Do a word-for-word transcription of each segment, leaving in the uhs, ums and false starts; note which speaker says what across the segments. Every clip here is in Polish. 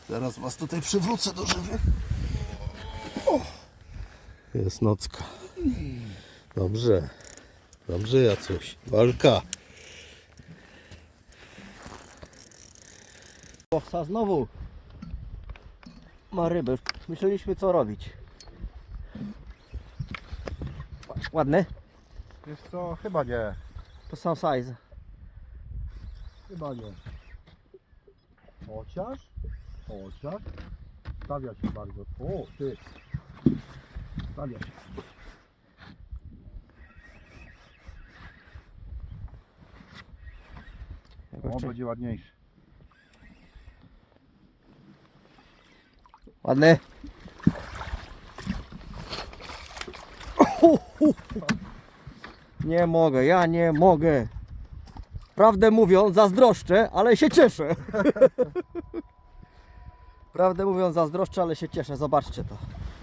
Speaker 1: Zaraz was tutaj przywrócę do żywych. O! Jest nocka. Dobrze. Dobrze, Jacuś. Walka.
Speaker 2: Łowca znowu ma ryby. Myśleliśmy co robić. Ładny?
Speaker 1: Wiesz co? Chyba nie.
Speaker 2: To sam size.
Speaker 1: Chyba nie. Chociaż? Chociaż? Stawia się bardzo. O, ty. Stawia się. O, będzie ładniejszy.
Speaker 2: Ładny? Nie mogę, ja nie mogę. Prawdę mówiąc, zazdroszczę, ale się cieszę. Prawdę mówiąc, zazdroszczę, ale się cieszę. Zobaczcie to.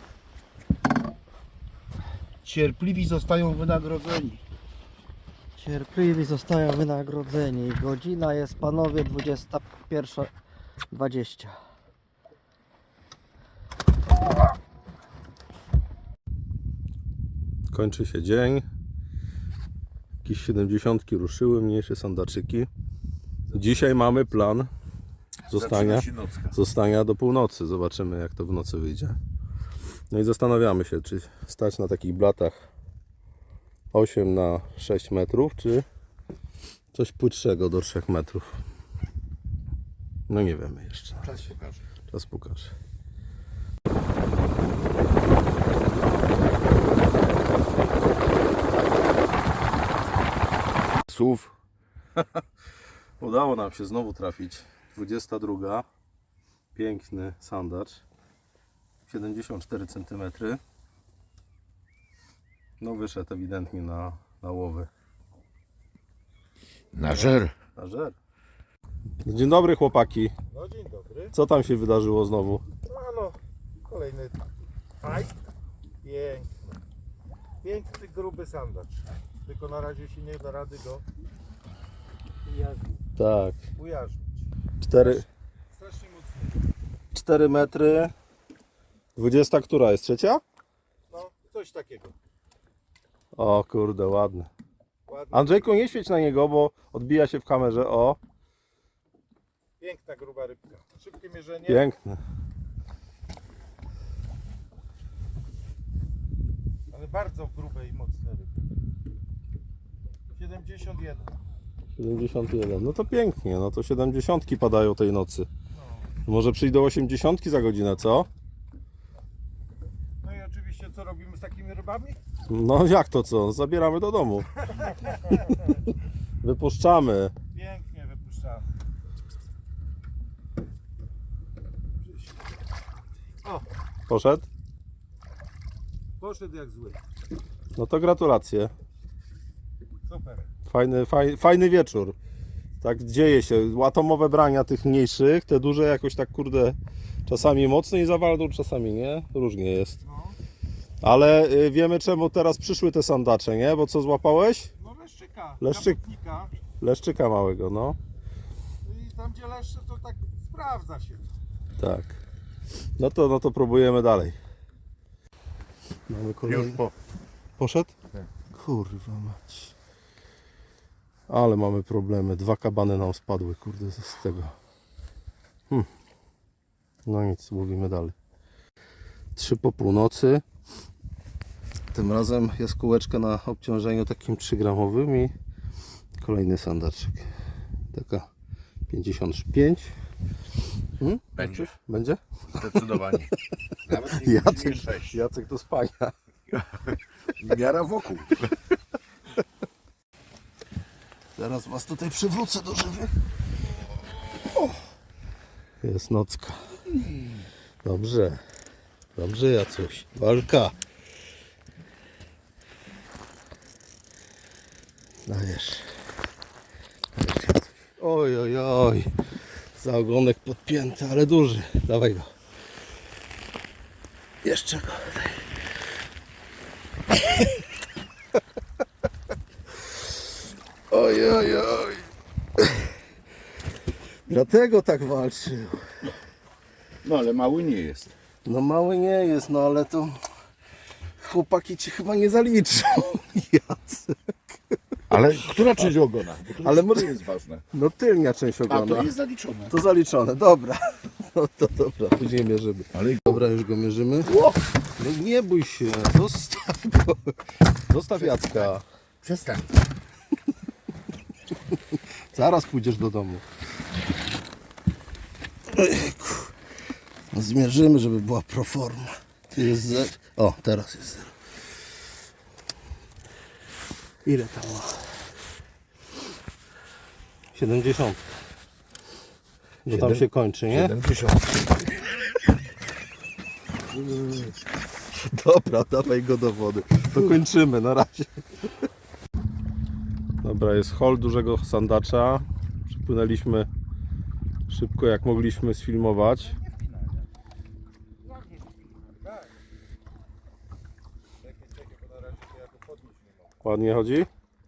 Speaker 1: Cierpliwi zostają wynagrodzeni.
Speaker 2: Cierpliwi zostają wynagrodzeni. Godzina jest, panowie, dwudziesta pierwsza dwadzieścia.
Speaker 1: Kończy się dzień. Jakieś siedemdziesiątki ruszyły, mniejsze sandaczyki. Dzisiaj mamy plan zostania, zostania do północy. Zobaczymy, jak to w nocy wyjdzie. No i zastanawiamy się, czy stać na takich blatach osiem na sześć metrów, czy coś płytszego do trzech metrów. No nie wiemy jeszcze.
Speaker 3: Czas pokaże.
Speaker 1: Czas pokaże. Słów. Udało nam się znowu trafić. dwudziesta druga. Piękny sandacz. siedemdziesiąt cztery centymetry. No wyszedł ewidentnie na, na łowy.
Speaker 3: Na żer.
Speaker 1: Na żer. Dzień dobry, chłopaki.
Speaker 4: No dzień dobry.
Speaker 1: Co tam się wydarzyło znowu?
Speaker 4: No, no kolejny fight. Piękny. Piękny, gruby sandacz. Tylko na razie się nie da rady go
Speaker 1: Tak.
Speaker 4: ujarzmić.
Speaker 1: cztery,
Speaker 4: Strasznie mocny.
Speaker 1: cztery metry. dwudziesta która jest? Trzecia?
Speaker 4: No, coś takiego.
Speaker 1: O kurde, ładny.
Speaker 4: Ładny.
Speaker 1: Andrzejku, nie świeć na niego, bo odbija się w kamerze. O,
Speaker 4: Piękna, gruba rybka. Szybkie mierzenie.
Speaker 1: piękny.
Speaker 4: Ale bardzo grube i mocne ryby. siedemdziesiąt jeden.
Speaker 1: siedemdziesiąt jeden. No to pięknie, no to siedemdziesiątki padają tej nocy. Może przyjdą osiemdziesiątki za godzinę, co?
Speaker 4: No i oczywiście co robimy z takimi rybami?
Speaker 1: No jak to co? Zabieramy do domu. Wypuszczamy.
Speaker 4: Pięknie wypuszczamy. O,
Speaker 1: Poszedł?
Speaker 4: poszedł jak zły.
Speaker 1: No to gratulacje.
Speaker 4: Super.
Speaker 1: Fajny, faj, fajny wieczór. Tak dzieje się. Atomowe brania tych mniejszych, te duże jakoś tak kurde czasami mocniej zawaldą, czasami nie. Różnie jest.
Speaker 4: No,
Speaker 1: Ale y, wiemy czemu teraz przyszły te sandacze, nie? Bo co złapałeś?
Speaker 4: no leszczyka.
Speaker 1: Leszczyk.
Speaker 4: Kaputnika.
Speaker 1: Leszczyka małego, no.
Speaker 4: I tam gdzie leszcze to tak sprawdza się.
Speaker 1: Tak. No to, no to próbujemy dalej. Mamy kolejny.
Speaker 3: Już po.
Speaker 1: Poszedł?
Speaker 3: Tak.
Speaker 1: Kurwa mać. Ale mamy problemy. Dwa kabany nam spadły, kurde, z tego. Hm. No nic, mówimy dalej. Trzy po północy. Tym razem jest kółeczka na obciążeniu takim trzy gramowym i kolejny sandaczek. Taka pięćdziesiąt pięć. Hmm?
Speaker 3: Będzie.
Speaker 1: Będzie?
Speaker 3: Zdecydowanie. Nawet nie
Speaker 1: Jacek,
Speaker 3: sześć.
Speaker 1: Jacek do spania.
Speaker 3: Miara wokół.
Speaker 1: Zaraz was tutaj przywrócę do żywych. O! Jest nocka. Dobrze. Dobrze, Jacuś. Walka. Dajesz. Dajesz, Jacuś. Oj, oj, oj. Za ogonek podpięty, ale duży. Dawaj go. Jeszcze go. Oj, oj, oj. Dlatego tak walczył.
Speaker 3: No ale mały nie jest.
Speaker 1: No mały nie jest, no ale to chłopaki ci chyba nie zaliczą. Jacek.
Speaker 3: Ale która część ogona? Bo to
Speaker 1: Ale
Speaker 3: ale
Speaker 1: może-
Speaker 3: może jest ważne.
Speaker 1: No tylnia część
Speaker 3: A
Speaker 1: ogona.
Speaker 3: to jest zaliczone.
Speaker 1: To zaliczone, dobra. No to dobra, później mierzymy.
Speaker 3: Ale
Speaker 1: Dobra, już go mierzymy. No nie bój się, zostaw go. Zostaw Jacka.
Speaker 3: przestań.
Speaker 1: Zaraz pójdziesz do domu. Ojejku. No zmierzymy, żeby była proforma. Tu jest zero. O, teraz jest zero. Ile tam ma? siedemdziesiąt. Bo tam się kończy, nie?
Speaker 3: siedemdziesiąt.
Speaker 1: Dobra, dawaj go do wody. To kończymy, na razie. Dobra, jest hol dużego sandacza. Przypłynęliśmy szybko jak mogliśmy sfilmować. Ładnie chodzi?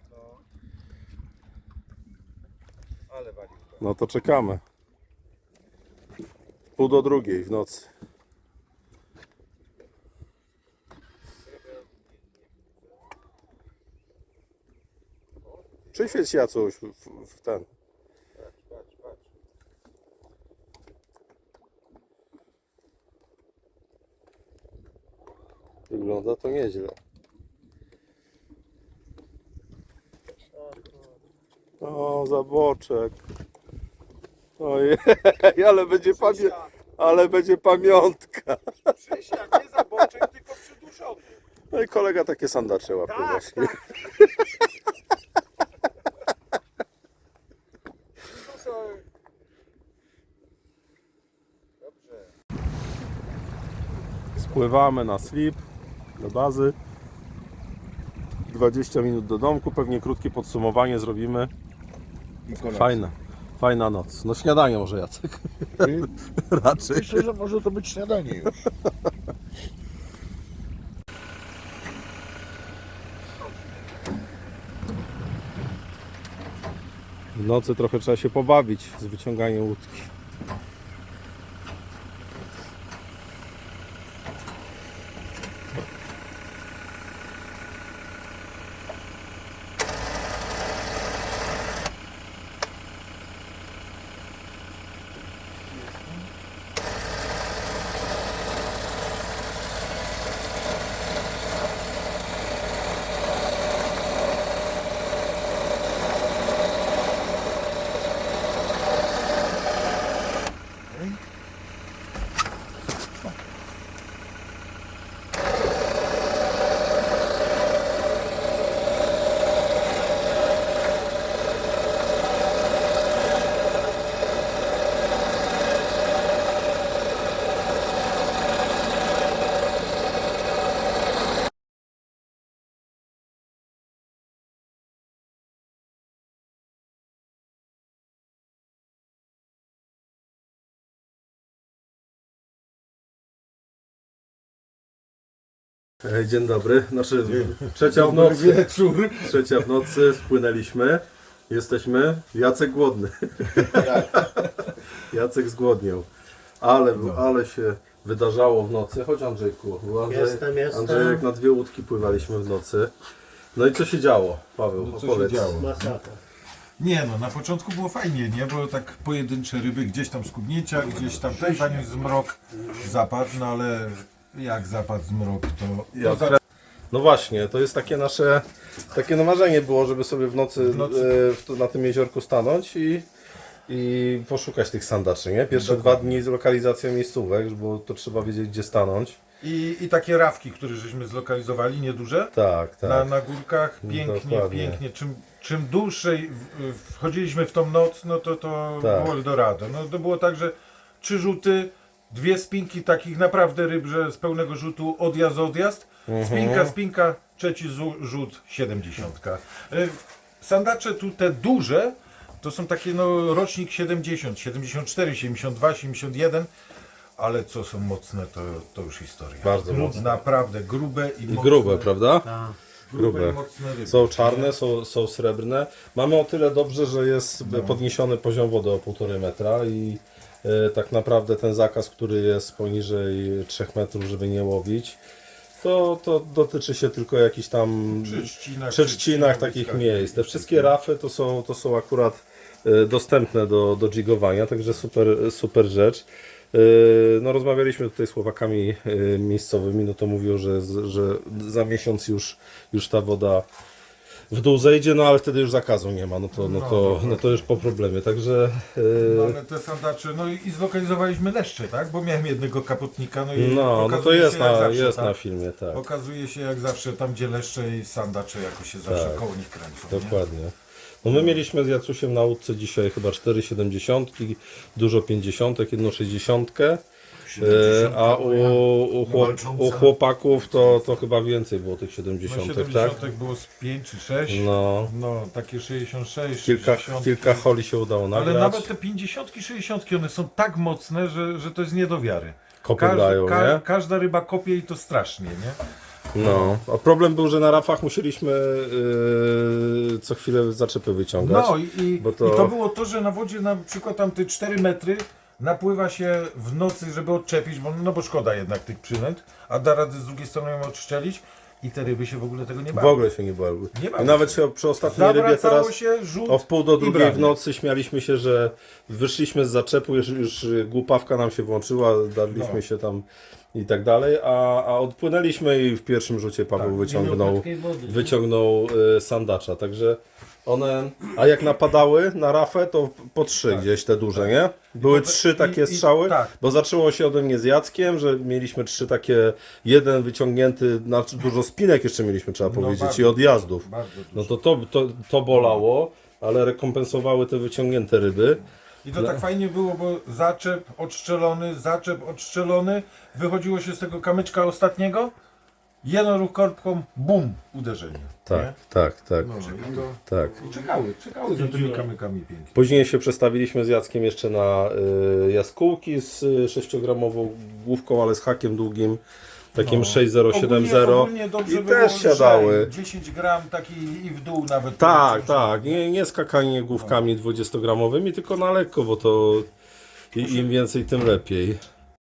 Speaker 4: Ale walił.
Speaker 1: No to czekamy. Pół do drugiej w nocy. Przyświeć Jacuś w, w, w ten.
Speaker 4: Patrz, patrz, patrz.
Speaker 1: Wygląda to nieźle. O, zaboczek. Ojej, ale będzie pamię... ale będzie pamiątka.
Speaker 4: Przysiad, nie za boczek, tylko przyduszony.
Speaker 1: No i kolega takie sandacze łapie
Speaker 4: Tak,
Speaker 1: właśnie.
Speaker 4: tak. Przyduszony. Dobrze.
Speaker 1: Spływamy na slip do bazy. dwadzieścia minut do domku, pewnie krótkie podsumowanie zrobimy.
Speaker 3: I kolacja.
Speaker 1: Fajna, fajna noc. No śniadanie może Jacek. Raczej.
Speaker 3: Myślę, że może to być śniadanie już.
Speaker 1: W nocy trochę trzeba się pobawić z wyciąganiem łódki. E, Dzień dobry, znaczy trzecia w nocy,
Speaker 3: wieczór.
Speaker 1: trzecia w nocy, spłynęliśmy, jesteśmy, Jacek głodny, Jacek zgłodniał, ale, ale się wydarzało w nocy, chodź Andrzejku, bo Andrzej,
Speaker 2: Jestem, jestem.
Speaker 1: Andrzejek na dwie łódki pływaliśmy w nocy, no i co się działo, Paweł,
Speaker 3: No co
Speaker 1: opowiedz.
Speaker 3: się działo?
Speaker 2: Masakra.
Speaker 5: Nie no, na początku było fajnie, nie? Bo tak pojedyncze ryby, gdzieś tam skubnięcia, gdzieś tam ten, zanim zmrok zapadł, no ale jak zapadł zmrok, to...
Speaker 1: Ja
Speaker 5: to za...
Speaker 1: No właśnie, to jest takie nasze, takie no marzenie było, żeby sobie w nocy,
Speaker 5: W nocy.
Speaker 1: e, w, tu- na tym jeziorku stanąć i, i poszukać tych sandaczy, nie? Pierwsze dwa dni z lokalizacją miejscówek, bo to trzeba wiedzieć gdzie stanąć.
Speaker 5: I, I takie rafki, które żeśmy zlokalizowali, nieduże,
Speaker 1: Tak, tak.
Speaker 5: na, na górkach, pięknie,
Speaker 1: Dokładnie.
Speaker 5: pięknie. Czym, czym dłużej w- w- wchodziliśmy w tą noc, no to to
Speaker 1: Tak.
Speaker 5: było Eldorado. No to było tak, że trzy rzuty, dwie spinki takich naprawdę ryb, że z pełnego rzutu odjazd, odjazd,
Speaker 1: Mhm.
Speaker 5: spinka, spinka, trzeci zu- rzut, siedemdziesiątka. Y, Sandacze tu te duże, to są takie no rocznik siedemdziesiąt, siedemdziesiąt cztery, siedemdziesiąt dwa, siedemdziesiąt jeden, ale co są mocne, to, to już historia.
Speaker 1: Bardzo
Speaker 5: Grub-
Speaker 1: mocne.
Speaker 5: Naprawdę grube i
Speaker 1: I
Speaker 5: mocne.
Speaker 1: grube, prawda?
Speaker 2: Tak.
Speaker 5: Grube
Speaker 1: grube.
Speaker 5: i mocne ryby.
Speaker 1: Są czarne, są, są srebrne. Mamy o tyle dobrze, że jest podniesiony poziom wody o półtorej metra i e, tak naprawdę ten zakaz, który jest poniżej trzech metrów, żeby nie łowić, to, to dotyczy się tylko jakichś tam
Speaker 5: Przy trzcinach,
Speaker 1: przy trzcinach takich miejsc. Te wszystkie rafy to są, to są akurat e, dostępne do, do jigowania, także super, super rzecz. E, No, rozmawialiśmy tutaj z chłopakami e, miejscowymi, no to mówią, że, że za miesiąc już, już ta woda w dół zejdzie, no ale wtedy już zakazu nie ma, no to, no to, no to już po problemie, także e,
Speaker 5: No ale te sandacze, no i i zlokalizowaliśmy leszcze, tak? Bo miałem jednego kapotnika, no i
Speaker 1: no, no to
Speaker 5: okazuje
Speaker 1: jest,
Speaker 5: się jak
Speaker 1: na,
Speaker 5: zawsze,
Speaker 1: jest
Speaker 5: tak?
Speaker 1: na filmie, tak,
Speaker 5: Okazuje się jak zawsze tam gdzie leszcze i sandacze jakoś się zawsze
Speaker 1: Tak.
Speaker 5: koło nich kręcą. Nie?
Speaker 1: dokładnie. No my mieliśmy z Jacusiem na łódce dzisiaj chyba cztery siedemdziesiątki, dużo pięćdziesiątek, jedną sześćdziesiątkę. E, A u, u, chłop, u chłopaków to, to chyba więcej było tych
Speaker 5: No
Speaker 1: siedemdziesiątek, tak?
Speaker 5: siedemdziesiątek było z pięć czy sześć.
Speaker 1: No,
Speaker 5: No, takie sześćdziesiąt sześć,
Speaker 1: kilka,
Speaker 5: sześćdziesiąt.
Speaker 1: kilka holi się udało nagrać.
Speaker 5: Ale nawet te pięćdziesiątki, sześćdziesiątki, one są tak mocne, że, że to jest nie do wiary.
Speaker 1: Kopy dają,
Speaker 5: ka-
Speaker 1: nie?
Speaker 5: każda ryba kopie i to strasznie, nie?
Speaker 1: No, a problem był, że na rafach musieliśmy yy, co chwilę zaczepy wyciągać.
Speaker 5: No i, i,
Speaker 1: bo
Speaker 5: to...
Speaker 1: to-
Speaker 5: i to było to, że na wodzie na przykład tam te cztery metry napływa się w nocy, żeby odczepić, bo, no bo szkoda jednak tych przynęt, a da rady z drugiej strony ją odszczelić i te ryby się w ogóle tego nie
Speaker 1: W
Speaker 5: bały.
Speaker 1: ogóle się nie bały.
Speaker 5: Nie bały
Speaker 1: I nawet
Speaker 5: się.
Speaker 1: się przy ostatniej rybie
Speaker 5: Zawracało
Speaker 1: teraz
Speaker 5: się, rzut
Speaker 1: o wpół do
Speaker 5: i
Speaker 1: drugiej
Speaker 5: branie.
Speaker 1: w nocy śmialiśmy się, że wyszliśmy z zaczepu, już, już głupawka nam się włączyła, darliśmy
Speaker 5: No.
Speaker 1: się tam i tak dalej, a, a odpłynęliśmy i w pierwszym rzucie Paweł
Speaker 5: Tak,
Speaker 1: wyciągnął, wyciągnął y, sandacza, także one, a jak napadały na rafę, to po trzy gdzieś te duże, nie? Były
Speaker 5: to-
Speaker 1: trzy takie
Speaker 5: i- i-
Speaker 1: strzały,
Speaker 5: tak.
Speaker 1: bo zaczęło się ode mnie z Jackiem, że mieliśmy trzy takie, jeden wyciągnięty, znaczy dużo spinek jeszcze mieliśmy, trzeba powiedzieć,
Speaker 5: bardzo
Speaker 1: i odjazdów.
Speaker 5: Bardzo dużo.
Speaker 1: No to to, to to bolało, ale rekompensowały te wyciągnięte ryby.
Speaker 5: I to tak fajnie było, bo zaczep odszczelony, zaczep odszczelony, wychodziło się z tego kamyczka ostatniego, jeden ruch korbką, bum, uderzenie.
Speaker 1: Tak,
Speaker 5: nie?
Speaker 1: tak, tak,
Speaker 5: No, i, to,
Speaker 1: tak.
Speaker 5: I czekały, czekały za tymi kamykami pięknie.
Speaker 1: Później się przestawiliśmy z Jackiem jeszcze na y, jaskółki z y, sześciogramową główką, ale z hakiem długim, takim sześć zero siedem zero.
Speaker 5: Ogólnie, ogólnie dobrze
Speaker 1: I
Speaker 5: było
Speaker 1: też siadały.
Speaker 5: lżej, dziesięć gram taki i w dół nawet.
Speaker 1: Tak, tak, nie, nie skakanie główkami dwudziestogramowymi, tylko na lekko, bo to i, im więcej, tym lepiej.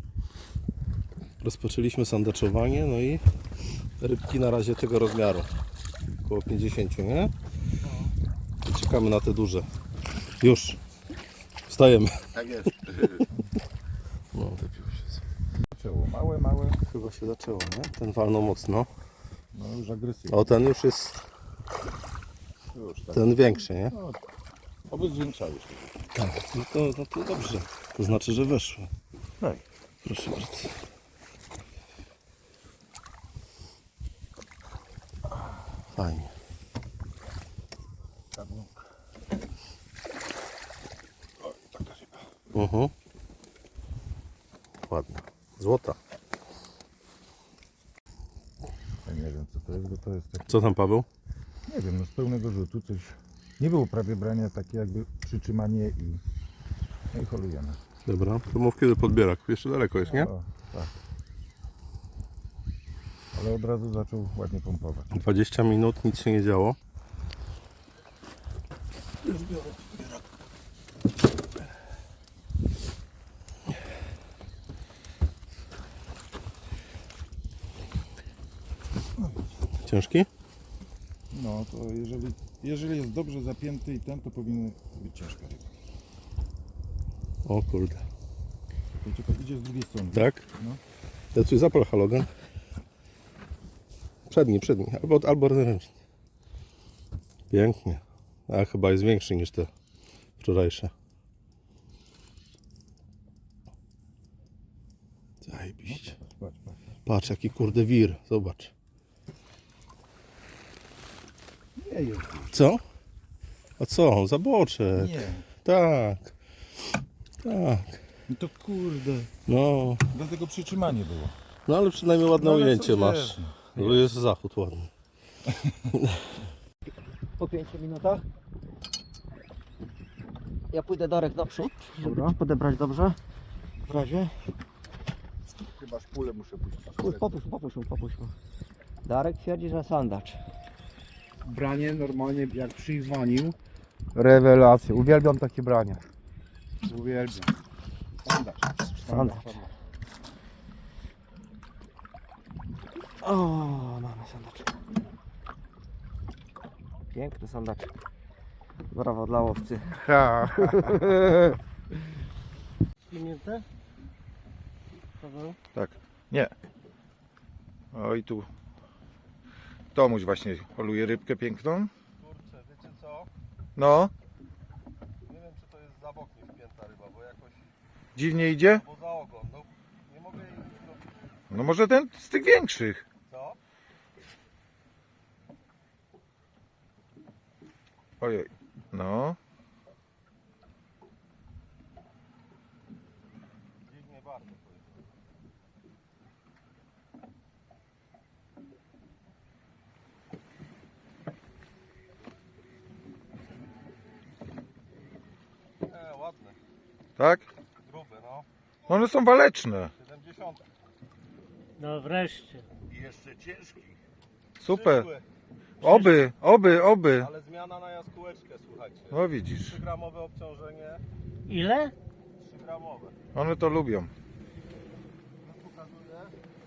Speaker 1: Rozpoczęliśmy sandaczowanie, no i rybki na razie tego rozmiaru, około pięćdziesiąt, nie? I czekamy na te duże. Już, wstajemy.
Speaker 3: Tak jest.
Speaker 1: No, wypił się.
Speaker 5: Zaczęło. Małe, małe,
Speaker 1: Chyba się zaczęło, nie? Ten walnął mocno.
Speaker 5: no już agresywnie.
Speaker 1: O, ten już jest,
Speaker 3: Już tak.
Speaker 1: ten większy, nie?
Speaker 3: Oby zwiększały się.
Speaker 1: Tak, no to, no to dobrze. To znaczy, że weszło.
Speaker 3: Tak.
Speaker 1: Proszę bardzo. Fajnie.
Speaker 3: O, taka ryba.
Speaker 1: Mhm. Ładna. Złota.
Speaker 6: Ja nie wiem co to jest, bo to jest tak,
Speaker 1: Co tam, Paweł?
Speaker 6: nie wiem, no z pełnego rzutu coś, nie było prawie brania, takie jakby przytrzymanie i, no i holujemy.
Speaker 1: Dobra, to mów kiedy podbierak. Jeszcze daleko jest, nie?
Speaker 6: O, tak. Ale od razu zaczął ładnie pompować.
Speaker 1: dwadzieścia minut, nic się nie działo. Ciężki?
Speaker 6: No to jeżeli, jeżeli jest dobrze zapięty i ten, to powinny być ciężka ryba.
Speaker 1: O kurde.
Speaker 6: Wiecie, to idzie z drugiej strony.
Speaker 1: Tak?
Speaker 6: No.
Speaker 1: Ja coś zapal halogen. Przedni, przedni. Albo, albo ręczny. Pięknie. A chyba jest większy niż te wczorajsze. Zajebiście.
Speaker 6: Patrz, patrz.
Speaker 1: Patrz jaki kurde wir. Zobacz.
Speaker 6: Nie jest.
Speaker 1: Co? A co? Zaboczek.
Speaker 6: Nie.
Speaker 1: Tak. Tak.
Speaker 6: No to kurde.
Speaker 1: No.
Speaker 6: Dlatego przytrzymanie było.
Speaker 1: No ale przynajmniej ładne
Speaker 6: No, ale
Speaker 1: ujęcie
Speaker 6: co
Speaker 1: masz.
Speaker 6: wiesz,
Speaker 1: No, jest zachód ładny.
Speaker 2: Po pięciu minutach. Ja pójdę Darek naprzód, żeby ci podebrać dobrze. W razie.
Speaker 3: Chyba szpulę muszę puścić.
Speaker 2: Puść, Popuść, popuść, mu, popuść. mu. Darek twierdzi, że sandacz.
Speaker 7: Branie normalnie jak przyzwonił. Rewelacja. Uwielbiam takie brania. Uwielbiam.
Speaker 2: Sandacz. O, mamy sandaczek. Piękny sandaczek. Brawo dla łowcy.
Speaker 7: Pimiętę? Paweł?
Speaker 6: Tak. Nie. O i tu Tomuś właśnie poluje rybkę piękną.
Speaker 1: Kurczę, wiecie co?
Speaker 6: No,
Speaker 1: Nie wiem, czy to jest za bok nie wpięta ryba, bo jakoś
Speaker 6: dziwnie idzie.
Speaker 1: poza ogon. No, nie mogę jej... No,
Speaker 6: No może ten z tych większych.
Speaker 1: co?
Speaker 6: Ojej. No.
Speaker 1: Dziwnie bardzo to jest. E, ładne,
Speaker 6: Tak?
Speaker 1: grube, no.
Speaker 6: No one są waleczne.
Speaker 1: siedemdziesiąt.
Speaker 7: No wreszcie.
Speaker 1: I jeszcze ciężki.
Speaker 6: Super.
Speaker 1: Przyszły,
Speaker 6: Oby, oby, oby.
Speaker 1: ale zmiana na jaskółeczkę, słuchajcie.
Speaker 6: No widzisz.
Speaker 1: trzy gramowe obciążenie.
Speaker 7: Ile?
Speaker 1: trzy gramowe.
Speaker 6: One to lubią.
Speaker 1: Pokazuję.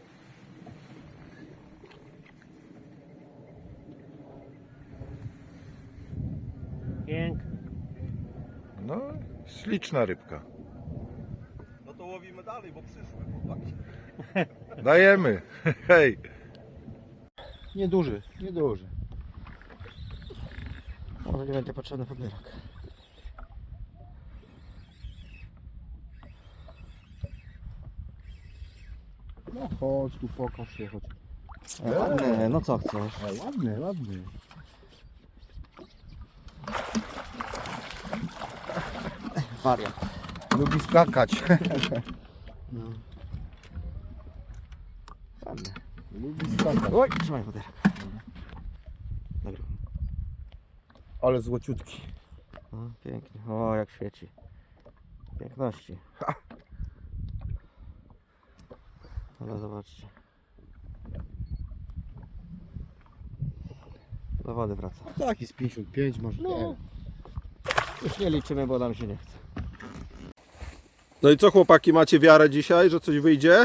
Speaker 7: Piękny.
Speaker 6: No, śliczna rybka.
Speaker 1: No to łowimy dalej, bo przyszły chłopaki.
Speaker 6: Dajemy. Hej.
Speaker 3: Nieduży, nieduży.
Speaker 2: Może nie będzie potrzebny podbierak.
Speaker 3: No chodź tu, pokaż się, chodź.
Speaker 2: Ładny, no co chcesz?
Speaker 3: A, ładny, ładny.
Speaker 2: Wariat.
Speaker 3: Lubi skakać.
Speaker 2: Ładny.
Speaker 3: Lubi skakać.
Speaker 2: Oj, trzymaj podbierak. Dobra.
Speaker 3: Ale złociutki.
Speaker 2: No, pięknie. O, jak świeci. Piękności. Ale zobaczcie. Do wody wraca.
Speaker 3: Taki z pięćdziesiąt pięć może.
Speaker 2: No. Już nie liczymy, bo nam się nie chce.
Speaker 1: No i co chłopaki, macie wiarę dzisiaj, że coś wyjdzie?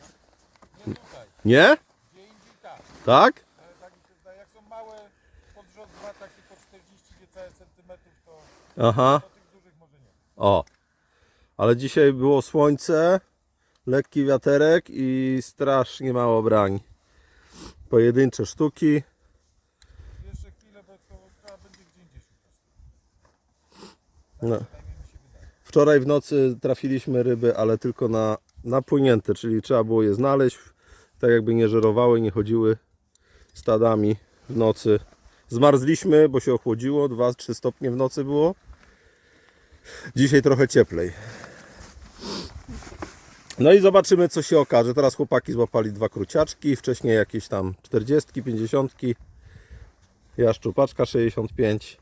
Speaker 1: Nie? Tak?
Speaker 5: Tak mi się zdaje, jak są małe podrządwa, takie po czterdzieści niecałe centymetrów, to
Speaker 1: Aha.
Speaker 5: do tych dużych może nie.
Speaker 1: O. Ale dzisiaj było słońce, lekki wiaterek i strasznie mało brań. Pojedyncze sztuki.
Speaker 5: Jeszcze chwilę, bo to trzeba będzie gdzie indziej szukać.
Speaker 1: No. Wczoraj w nocy trafiliśmy ryby, ale tylko na napłynięte, czyli trzeba było je znaleźć, tak jakby nie żerowały, nie chodziły stadami w nocy. Zmarzliśmy, bo się ochłodziło, dwa trzy stopnie w nocy było. Dzisiaj trochę cieplej. No i zobaczymy, co się okaże. Teraz chłopaki złapali dwa kruciaczki, wcześniej jakieś tam czterdziestki, pięćdziesiątki. Ja szczupaczka sześćdziesiąt pięć.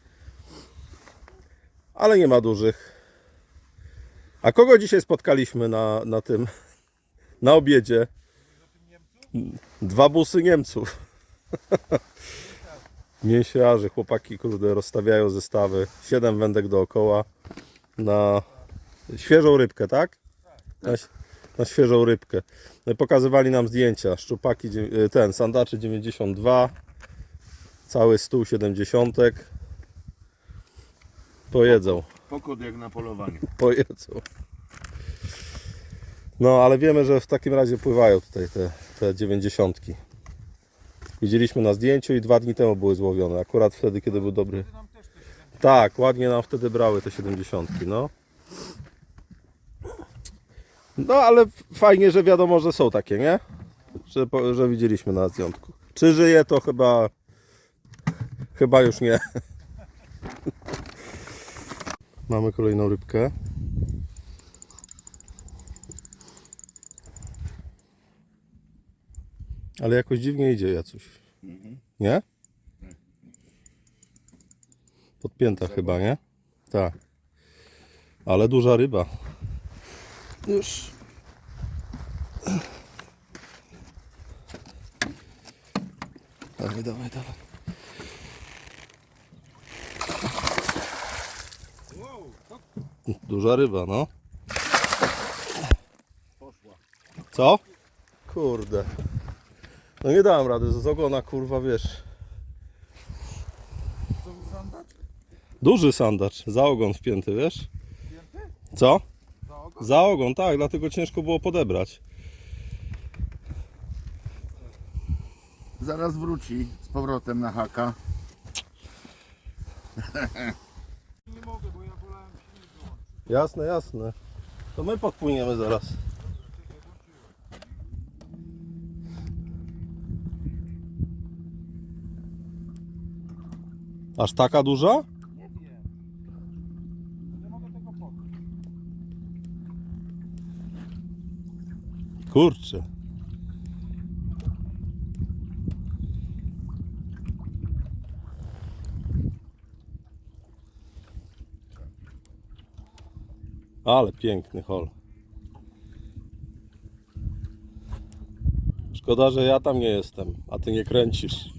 Speaker 1: Ale nie ma dużych. A kogo dzisiaj spotkaliśmy na, na tym, na obiedzie? Dwa busy Niemców. Mięsiarzy, chłopaki, kurde, rozstawiają zestawy. Siedem wędek dookoła na świeżą rybkę, tak? Na, na świeżą rybkę. No i pokazywali nam zdjęcia. Szczupaki, dzie- ten, sandaczy dziewięćdziesiąt dwa. Cały stół siedemdziesiątek. Pojedzą.
Speaker 3: Pokód jak na polowaniu.
Speaker 1: Pojedzą. No, ale wiemy, że w takim razie pływają tutaj te, te dziewięćdziesiątki. Widzieliśmy na zdjęciu i dwa dni temu były złowione. Akurat wtedy, kiedy był dobry. Tak, ładnie nam wtedy brały te siedemdziesiątki, no. No, ale fajnie, że wiadomo, że są takie, nie? Że, po- że widzieliśmy na zdjęciu. Czy żyje, to chyba... Chyba już nie. Mamy kolejną rybkę. Ale jakoś dziwnie idzie Jacuś. Nie? Podpięta chyba, nie? Tak. Ale duża ryba. Już. Dawaj, dawaj, dawaj. Duża ryba, no. Co? Kurde. No nie dałem rady, z ogona kurwa wiesz. Duży sandacz, za ogon wpięty, wiesz? Co? Za ogon, tak, dlatego ciężko było podebrać.
Speaker 3: Zaraz wróci z powrotem na haka.
Speaker 1: Jasne, jasne. To my podpłyniemy zaraz. Aż taka duża? Kurczę. Ale piękny hol. Szkoda, że ja tam nie jestem, a ty nie kręcisz.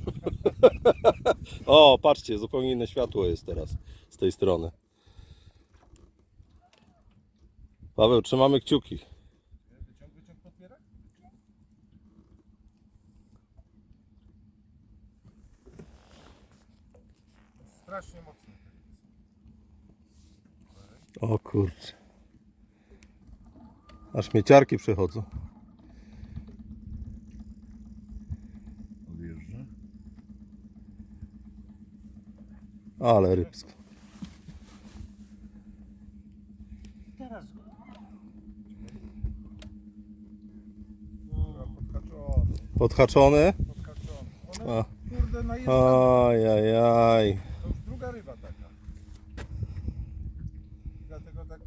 Speaker 1: O, patrzcie, zupełnie inne światło jest teraz z tej strony. Paweł, trzymamy kciuki.
Speaker 5: Strasznie mocno.
Speaker 1: O kurczę. Aż mieciarki przychodzą.
Speaker 3: Odjeżdża.
Speaker 1: Ale rybsko.
Speaker 7: Teraz go.
Speaker 5: Podhaczony,
Speaker 1: Podhaczony?
Speaker 5: podhaczony.
Speaker 1: A.
Speaker 5: One, kurde, najeżdżają.
Speaker 1: Ajajaj.
Speaker 5: To już druga ryba taka. Dlatego tak...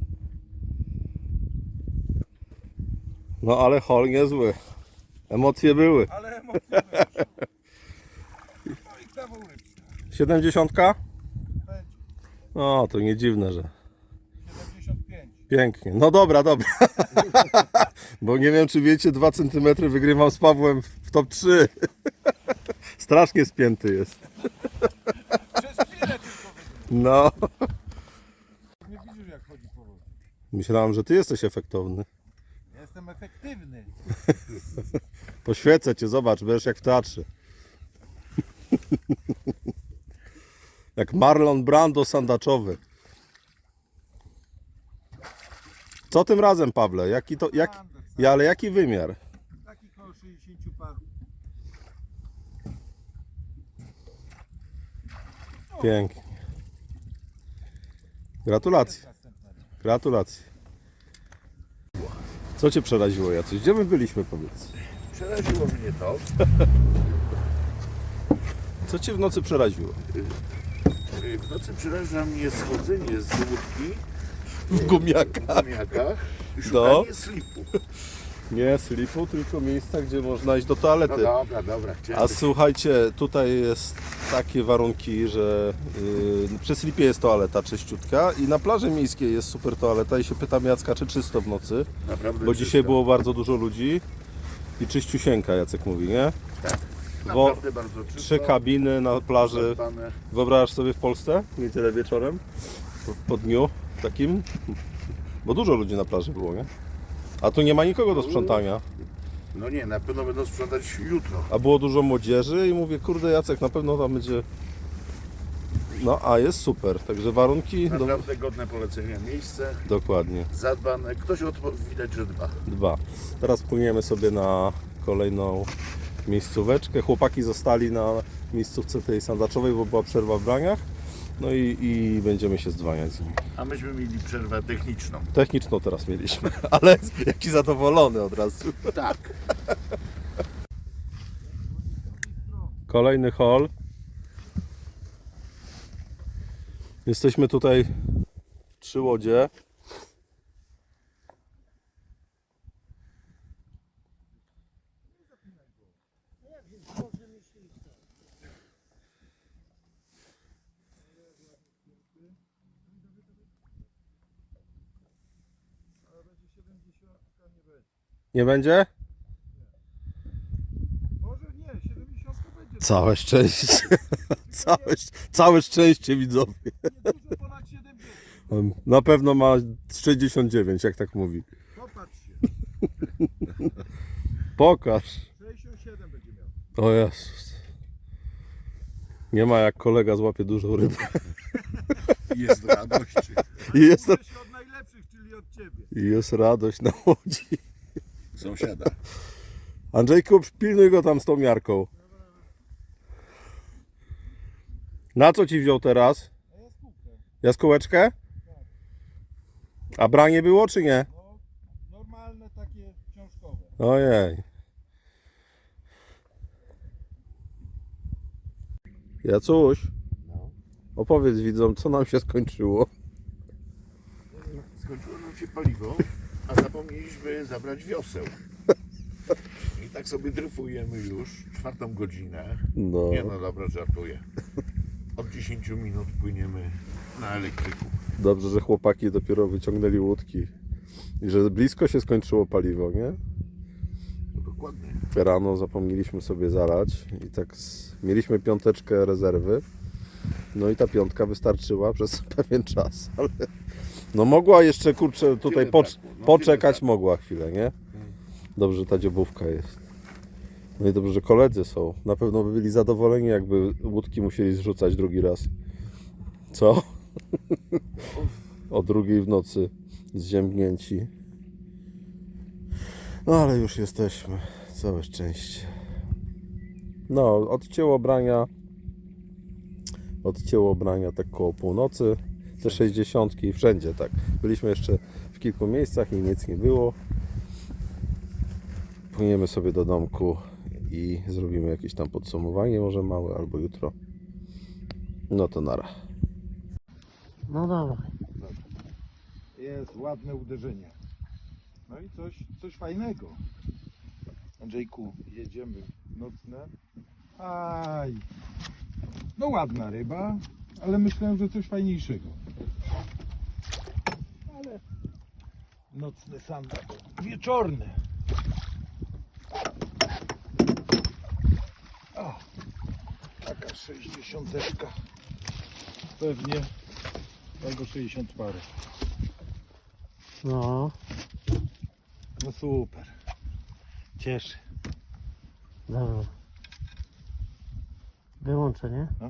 Speaker 1: No ale hol niezły. Emocje były.
Speaker 5: Ale emocje wyszły. No i kawał rybska.
Speaker 1: Siedemdziesiątka?
Speaker 5: Będzie.
Speaker 1: No to nie dziwne, że
Speaker 5: siedemdziesiąt pięć.
Speaker 1: pięknie. No dobra, dobra. Bo nie wiem, czy wiecie, dwa centymetry wygrywam z Pawłem w top trzy. Strasznie spięty jest.
Speaker 5: Przez chwilę tylko wygląda.
Speaker 1: No.
Speaker 5: Nie widzisz jak chodzi po wodzie.
Speaker 1: Myślałem, że ty jesteś efektowny.
Speaker 5: Ja jestem efektywny.
Speaker 1: Poświecę cię, zobacz, będziesz jak w teatrze. Jak Marlon Brando sandaczowy. Co tym razem, Pawle? Jaki to, jak, ja, ale jaki wymiar?
Speaker 5: Taki koło sześćdziesiąt paru.
Speaker 1: Pięknie. Gratulacje. Gratulacje. Co cię przeraziło, Jacuś? Gdzie my byliśmy, powiedz?
Speaker 3: Przeraziło mnie to.
Speaker 1: Co cię w nocy przeraziło?
Speaker 3: W nocy przeraża mnie schodzenie z łódki
Speaker 1: W gumiakach.
Speaker 3: w gumiakach i
Speaker 1: No.
Speaker 3: szukanie slipu.
Speaker 1: Nie slipu, tylko miejsca, gdzie można iść do
Speaker 3: No
Speaker 1: toalety.
Speaker 3: dobra, dobra. Chciałem
Speaker 1: A
Speaker 3: być-
Speaker 1: słuchajcie, tutaj jest takie warunki, że yy, przy slipie jest toaleta czyściutka i na plaży miejskiej jest super toaleta i się pytam Jacka, czy czysto w nocy,
Speaker 3: Naprawdę
Speaker 1: bo
Speaker 3: czysto.
Speaker 1: dzisiaj było bardzo dużo ludzi i czyściusieńka, Jacek mówi, nie?
Speaker 3: Tak.
Speaker 1: Wo-
Speaker 3: Naprawdę bardzo czysto.
Speaker 1: Trzy kabiny na plaży.
Speaker 3: zadbane.
Speaker 1: Wyobrażasz sobie w Polsce? W niedzielę wieczorem? Po, po dniu takim? Bo dużo ludzi na plaży było, nie? A tu nie ma nikogo do sprzątania.
Speaker 3: No nie, na pewno będą sprzątać jutro.
Speaker 1: A było dużo młodzieży i mówię, kurde Jacek, na pewno tam będzie... No, a jest super, także warunki... Do...
Speaker 3: Naprawdę godne polecenia miejsce,
Speaker 1: Dokładnie,
Speaker 3: zadbane. Ktoś odpo- widać, że dba.
Speaker 1: dwa. Teraz płyniemy sobie na kolejną miejscóweczkę. Chłopaki zostali na miejscówce tej sandaczowej, bo była przerwa w braniach. No i, i będziemy się zdwaniać z nimi.
Speaker 3: A myśmy mieli przerwę techniczną.
Speaker 1: Techniczną teraz mieliśmy, ale jaki zadowolony od razu.
Speaker 3: Tak.
Speaker 1: Kolejny hol. Jesteśmy tutaj w trzy łodzie. Nie będzie?
Speaker 5: Może nie, siedemdziesiąt będzie.
Speaker 1: Całe szczęście. Całe, szcz- całe szczęście widzowie.
Speaker 5: Dużo ponad siedemdziesiąt.
Speaker 1: On na pewno ma sześćdziesiąt dziewięć, jak tak mówi.
Speaker 5: Popatrz się.
Speaker 1: Pokaż.
Speaker 6: sześćdziesiąt siedem będzie miał.
Speaker 1: O Jezus. Nie ma jak kolega złapie dużą rybę.
Speaker 3: Jest radość.
Speaker 1: I jest,
Speaker 6: Uczę się od najlepszych, czyli od ciebie.
Speaker 1: i jest radość na łodzi.
Speaker 3: Sąsiada.
Speaker 1: Andrzejku, pilnuj go tam z tą miarką. Na co ci wziął teraz? Jaskółeczkę? A branie było czy nie?
Speaker 6: No, normalne takie książkowe.
Speaker 1: Ojej. Jacuś, opowiedz widzom, co nam się skończyło.
Speaker 3: Skończyło nam się paliwo, a zapomnieliśmy zabrać wioseł. I tak sobie dryfujemy już czwartą godzinę.
Speaker 1: No.
Speaker 3: Nie no, dobra, żartuję. Od dziesięciu minut płyniemy na elektryku.
Speaker 1: Dobrze, że chłopaki dopiero wyciągnęli łódki. I że blisko się skończyło paliwo, nie?
Speaker 3: No dokładnie.
Speaker 1: Rano zapomnieliśmy sobie zalać i tak z... mieliśmy piąteczkę rezerwy. No i ta piątka wystarczyła przez pewien czas, ale no mogła jeszcze, kurczę, tutaj
Speaker 3: Tyle
Speaker 1: pocz...
Speaker 3: brakło, no,
Speaker 1: poczekać
Speaker 3: tyle
Speaker 1: mogła chwilę, nie? Dobrze, że ta dziobówka jest. No i dobrze, że koledzy są. Na pewno by byli zadowoleni, jakby łódki musieli zrzucać drugi raz. Co? O drugiej w nocy zziębnięci. No ale już jesteśmy. Całe szczęście. No, odcięło brania. Odcięło brania tak koło północy. Te sześćdziesiątki wszędzie tak. Byliśmy jeszcze w kilku miejscach i nic nie było. Płyniemy sobie do domku i zrobimy jakieś tam podsumowanie, może małe, albo jutro. No to nara.
Speaker 7: No dobra.
Speaker 6: Jest ładne uderzenie. No i coś, coś fajnego. Andrzejku, jedziemy nocne. Aj. No ładna ryba, ale myślałem, że coś fajniejszego. Ale nocny sandacz. Wieczorny. O, taka sześćdziesiąteczka. Pewnie albo sześćdziesiąt parę.
Speaker 7: No,
Speaker 6: No super. Cieszy.
Speaker 7: dobra. Wyłączę, nie?
Speaker 6: No.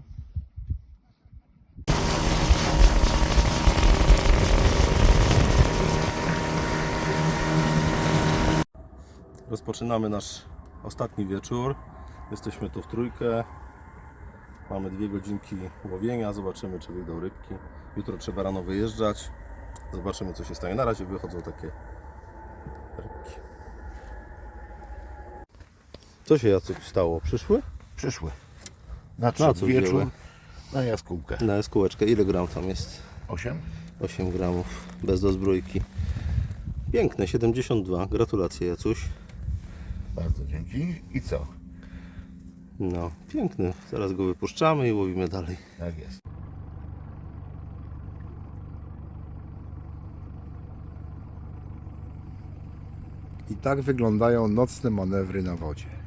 Speaker 1: Rozpoczynamy nasz ostatni wieczór. Jesteśmy tu w trójkę. Mamy dwie godzinki łowienia. Zobaczymy, czy wyjdą rybki. Jutro trzeba rano wyjeżdżać. Zobaczymy, co się stanie. Na razie wychodzą takie rybki. Co się Jacek stało? Przyszły?
Speaker 3: Przyszły.
Speaker 1: Na
Speaker 3: Nadszedł
Speaker 1: co
Speaker 3: wieczór
Speaker 1: wzięły?
Speaker 3: na jaskółkę.
Speaker 1: Na jaskółeczkę. Ile gram tam jest?
Speaker 3: Osiem?
Speaker 1: osiem gramów. Bez dozbrójki. Piękne, siedemdziesiąt dwa. Gratulacje, Jacuś.
Speaker 3: Bardzo dzięki. I co?
Speaker 1: No, piękny. Zaraz go wypuszczamy i łowimy dalej.
Speaker 3: Tak jest.
Speaker 8: I tak wyglądają nocne manewry na wodzie.